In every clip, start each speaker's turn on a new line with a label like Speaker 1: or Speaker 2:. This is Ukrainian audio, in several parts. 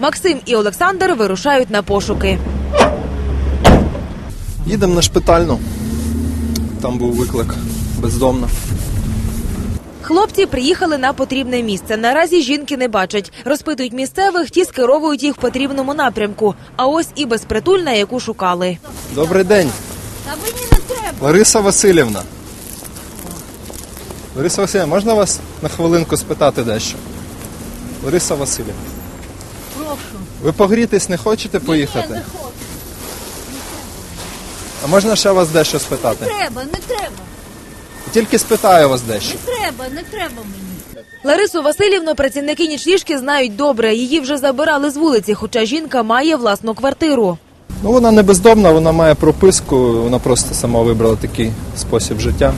Speaker 1: Максим і Олександр вирушають на пошуки.
Speaker 2: Їдемо на Шпитальну. Там був виклик бездомна.
Speaker 1: Хлопці приїхали на потрібне місце. Наразі жінки не бачать. Розпитують місцевих, ті скеровують їх в потрібному напрямку. А ось і безпритульна, яку шукали.
Speaker 2: Добрий день.
Speaker 3: Та мені не треба.
Speaker 2: Лариса Василівна. Лариса Василівна, можна вас на хвилинку спитати дещо? Лариса Василівна.
Speaker 3: Прошу.
Speaker 2: Ви погрітись не хочете поїхати?
Speaker 3: Ні, не хочу.
Speaker 2: А можна ще вас дещо спитати?
Speaker 3: Не треба.
Speaker 2: Тільки спитаю вас дещо.
Speaker 3: Не треба мені.
Speaker 1: Ларису Василівну працівники нічліжки знають добре. Її вже забирали з вулиці, хоча жінка має власну квартиру.
Speaker 2: Ну, вона не бездомна, вона має прописку, вона просто сама вибрала такий спосіб життя.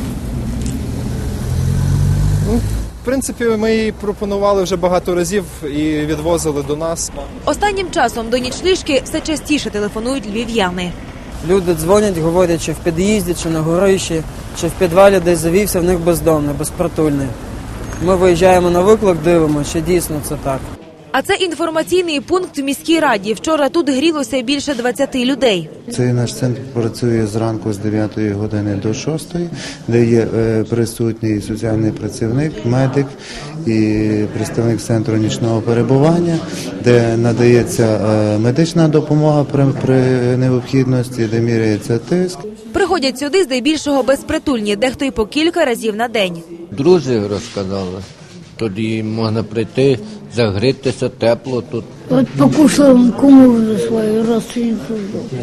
Speaker 2: Ну, в принципі, ми їй пропонували вже багато разів і відвозили до нас.
Speaker 1: Останнім часом до нічліжки все частіше телефонують львів'яни.
Speaker 4: Люди дзвонять, говорять, чи в під'їзді, чи на горищі, чи в підвалі десь завівся, в них бездомний, безпритульний. Ми виїжджаємо на виклик, дивимося, чи дійсно це так.
Speaker 1: А це інформаційний пункт в міській раді. Вчора тут грілося більше 20 людей.
Speaker 5: Цей наш центр працює зранку з 9 години до 6, де є присутній соціальний працівник, медик і представник центру нічного перебування, де надається медична допомога при необхідності, де міряється тиск.
Speaker 1: Приходять сюди здебільшого безпритульні, дехто й по кілька разів на день.
Speaker 6: Друзі розказали. Тоді можна прийти, загрітися, тепло тут.
Speaker 3: От покушала куму свою родственницу.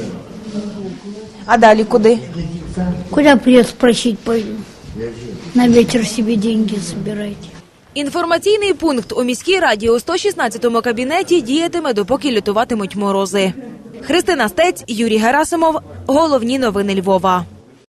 Speaker 1: А далі куди?
Speaker 3: Куда придет спросить пойду? На вечер себе деньги собирайте.
Speaker 1: Інформаційний пункт у міській раді у 116-му кабінеті діятиме, допоки лютуватимуть морози. Христина Стець, Юрій Герасимов. Головні новини Львова.